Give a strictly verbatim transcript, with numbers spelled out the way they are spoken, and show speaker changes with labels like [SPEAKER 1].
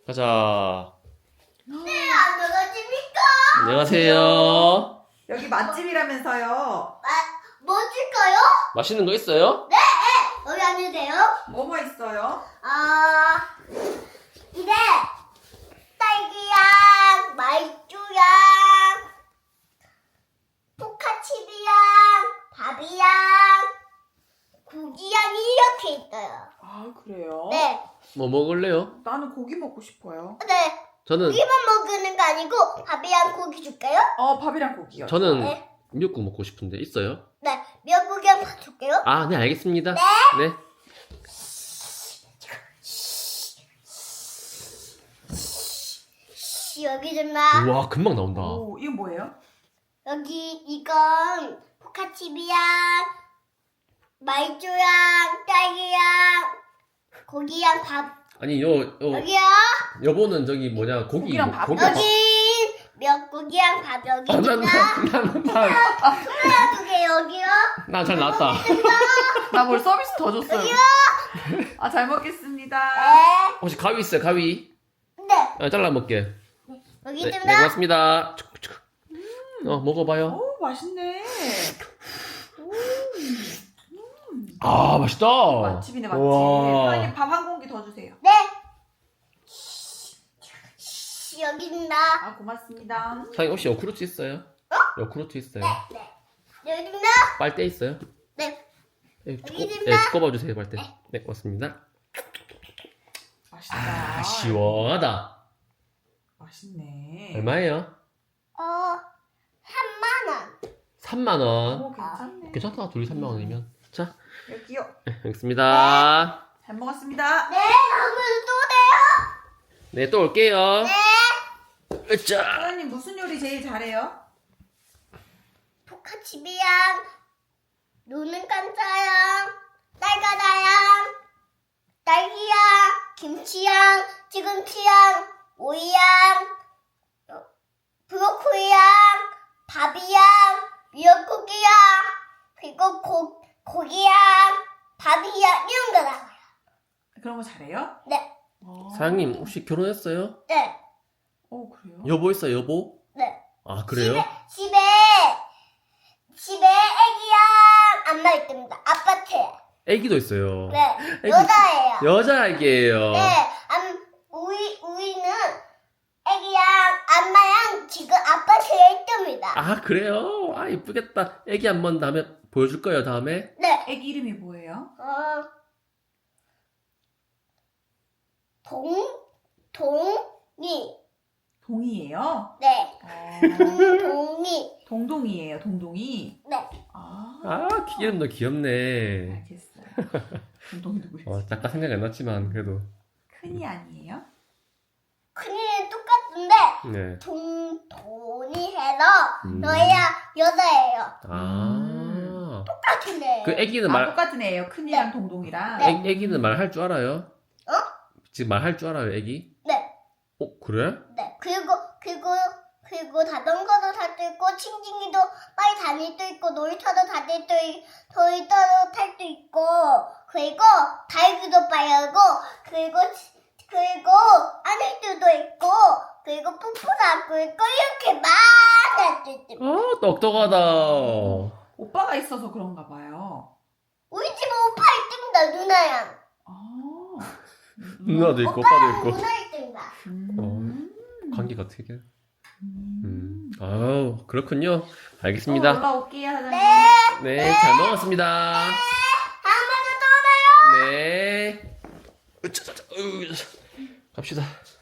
[SPEAKER 1] 가자.
[SPEAKER 2] 네, 안녕하십니까?
[SPEAKER 1] 안녕하세요.
[SPEAKER 3] 여기 맛집이라면서요.
[SPEAKER 2] 아, 뭐 줄까요?
[SPEAKER 1] 맛있는 거 있어요?
[SPEAKER 2] 네, 여기 앉으세요.
[SPEAKER 3] 뭐뭐 있어요?
[SPEAKER 2] 아, 이제 딸기향, 말주향, 포카칩이향, 밥이향, 고기향이 이렇게 있어요.
[SPEAKER 3] 아 그래요?
[SPEAKER 2] 네,
[SPEAKER 1] 뭐 먹을래요?
[SPEAKER 3] 나는 고기 먹고 싶어요.
[SPEAKER 2] 네.
[SPEAKER 1] 저는
[SPEAKER 2] 고기만 먹는 거 아니고 밥이랑 고기 줄까요?
[SPEAKER 3] 어 밥이랑 고기요.
[SPEAKER 1] 저는
[SPEAKER 2] 네.
[SPEAKER 1] 미역국 먹고 싶은데 있어요?
[SPEAKER 2] 네, 미역국이랑 밥 줄게요.
[SPEAKER 1] 아, 네, 알겠습니다. 네. 네.
[SPEAKER 2] 여기 좀 봐.
[SPEAKER 1] 우와, 금방 나온다.
[SPEAKER 3] 오 이건 뭐예요?
[SPEAKER 2] 여기 이건 포카칩이랑 말주랑 딸기랑 고기랑 밥.
[SPEAKER 1] 아니, 요, 요,
[SPEAKER 2] 여기요.
[SPEAKER 1] 여보는 저기 뭐냐, 고기.
[SPEAKER 3] 고기랑
[SPEAKER 1] 뭐-
[SPEAKER 3] 밥.
[SPEAKER 1] 고기랑 밥.
[SPEAKER 2] 여기 미역국이랑 밥 여기
[SPEAKER 1] 아, 난,
[SPEAKER 2] 있다.
[SPEAKER 1] 난, 난, 난,
[SPEAKER 2] 소야 두개 여기요.
[SPEAKER 1] 난 잘 나왔다.
[SPEAKER 3] 나 뭘 서비스 더 줬어요. 아 잘 먹겠습니다.
[SPEAKER 2] 네.
[SPEAKER 1] 혹시 가위 있어요, 가위?
[SPEAKER 2] 네.
[SPEAKER 1] 아, 잘라 먹게.
[SPEAKER 2] 여기
[SPEAKER 1] 네,
[SPEAKER 2] 좀
[SPEAKER 1] 네,
[SPEAKER 2] 봐.
[SPEAKER 1] 고맙습니다. 어, 먹어봐요.
[SPEAKER 3] 오 맛있네.
[SPEAKER 1] 아, 맛있다.
[SPEAKER 3] 맛집이네 맛집.
[SPEAKER 1] 우와.
[SPEAKER 3] 사장님 밥 한 공기 더 주세요.
[SPEAKER 2] 네. 여기 있다.
[SPEAKER 3] 아 고맙습니다.
[SPEAKER 1] 사장님 혹시 요구르트 있어요? 요구르트 있어요?
[SPEAKER 2] 네. 여기 있다.
[SPEAKER 1] 빨대 있어요?
[SPEAKER 2] 네.
[SPEAKER 1] 네,
[SPEAKER 2] 여기
[SPEAKER 1] 꼽-
[SPEAKER 2] 있습니다.
[SPEAKER 1] 네, 꼽아주세요, 빨대. 네, 고맙습니다.
[SPEAKER 3] 맛있다.
[SPEAKER 1] 아, 시원하다.
[SPEAKER 3] 맛있네.
[SPEAKER 1] 얼마예요?
[SPEAKER 2] 어, 삼만 원.
[SPEAKER 1] 삼만 원.
[SPEAKER 3] 오 괜찮네.
[SPEAKER 1] 괜찮다, 둘이 삼만 원이면. 자,
[SPEAKER 3] 여기요.
[SPEAKER 1] 네, 여기 있습니다.
[SPEAKER 3] 잘 먹었습니다.
[SPEAKER 2] 네, 다음에도 또 돼요.
[SPEAKER 1] 네, 또 올게요.
[SPEAKER 2] 네.
[SPEAKER 1] 자,
[SPEAKER 3] 사장님 무슨 요리 제일 잘해요?
[SPEAKER 2] 포카칩이랑 노는 깐짜양, 딸가다양, 딸기양, 김치양, 시금치양, 오이양, 어, 브로콜리양, 밥이양, 미역국이양, 그리고 고, 고기양, 밥이양 이런 거 나와요.
[SPEAKER 3] 그런 거 잘해요?
[SPEAKER 2] 네,
[SPEAKER 3] 어.
[SPEAKER 1] 사장님, 혹시 결혼했어요?
[SPEAKER 2] 네,
[SPEAKER 3] 오 그래요?
[SPEAKER 1] 여보 있어요, 여보?
[SPEAKER 2] 네.
[SPEAKER 1] 아, 그래요?
[SPEAKER 2] 집에 집에 애기랑 안마 있답니다. 아파트에.
[SPEAKER 1] 애기도 있어요.
[SPEAKER 2] 네,
[SPEAKER 1] 애기-
[SPEAKER 2] 여자예요.
[SPEAKER 1] 여자 애기예요.
[SPEAKER 2] 네, 안, 우리, 우리는 애기랑 안마랑 지금 아파트에 있답니다.
[SPEAKER 1] 아, 그래요? 아, 이쁘겠다. 애기 한번 다음에 보여줄 거예요, 다음에?
[SPEAKER 2] 네,
[SPEAKER 3] 애기 이름이 뭐예요?
[SPEAKER 2] 어, 동, 동이,
[SPEAKER 3] 동이에요?
[SPEAKER 2] 네,
[SPEAKER 3] 어,
[SPEAKER 2] 동동이,
[SPEAKER 3] 동동이에요. 동동이.
[SPEAKER 2] 네,
[SPEAKER 3] 아,
[SPEAKER 1] 아, 이름도 귀엽네.
[SPEAKER 3] 알겠어요. 동동 누구예요?
[SPEAKER 1] 어, 잠깐 생각이 안 났지만, 그래도.
[SPEAKER 3] 큰이 아니에요?
[SPEAKER 2] 큰이는 똑같은데
[SPEAKER 1] 네.
[SPEAKER 2] 동, 돈이 해서
[SPEAKER 1] 음.
[SPEAKER 2] 너야 여자예요.
[SPEAKER 1] 아.
[SPEAKER 2] 똑같은데.
[SPEAKER 1] 그 애기는
[SPEAKER 3] 아
[SPEAKER 1] 말,
[SPEAKER 3] 똑같은 애예요. 큰이랑 동동이랑.
[SPEAKER 2] 네.
[SPEAKER 1] 애, 애기는 말할 줄 알아요?
[SPEAKER 2] 어?
[SPEAKER 1] 지금 말할 줄 알아요, 애기?
[SPEAKER 2] 네.
[SPEAKER 1] 어, 그래?
[SPEAKER 2] 네, 그리고 그리고 그리고 자전거도 탈 수 있고 칭칭이도 빨리 다닐 수 있고 놀이터도 다닐 수 있고 놀이터도 탈 수 있고 그리고 달기도 빨리 하고 그리고 그리고 안을 수도 있고 그리고 푸푸도 하고 있고 이렇게 많이 할 수 있습니다.
[SPEAKER 1] 아, 똑똑하다.
[SPEAKER 3] 오빠가 있어서 그런가 봐요.
[SPEAKER 2] 우리 집에 오빠 있습니다. 누나랑
[SPEAKER 3] 아.
[SPEAKER 1] 누나도 있고, 오빠도
[SPEAKER 2] 오빠랑
[SPEAKER 1] 있고.
[SPEAKER 2] 누나 있습니다.
[SPEAKER 3] 음.
[SPEAKER 1] 관계가 되게.
[SPEAKER 3] 음.
[SPEAKER 1] 음. 아우, 그렇군요.
[SPEAKER 3] 또
[SPEAKER 1] 알겠습니다.
[SPEAKER 3] 올라올게요, 사장님.
[SPEAKER 2] 네,
[SPEAKER 1] 네, 잘 먹었습니다.
[SPEAKER 2] 다음에도 또 오나요?
[SPEAKER 1] 네. 으쌰, 으쌰, 으쌰. 갑시다.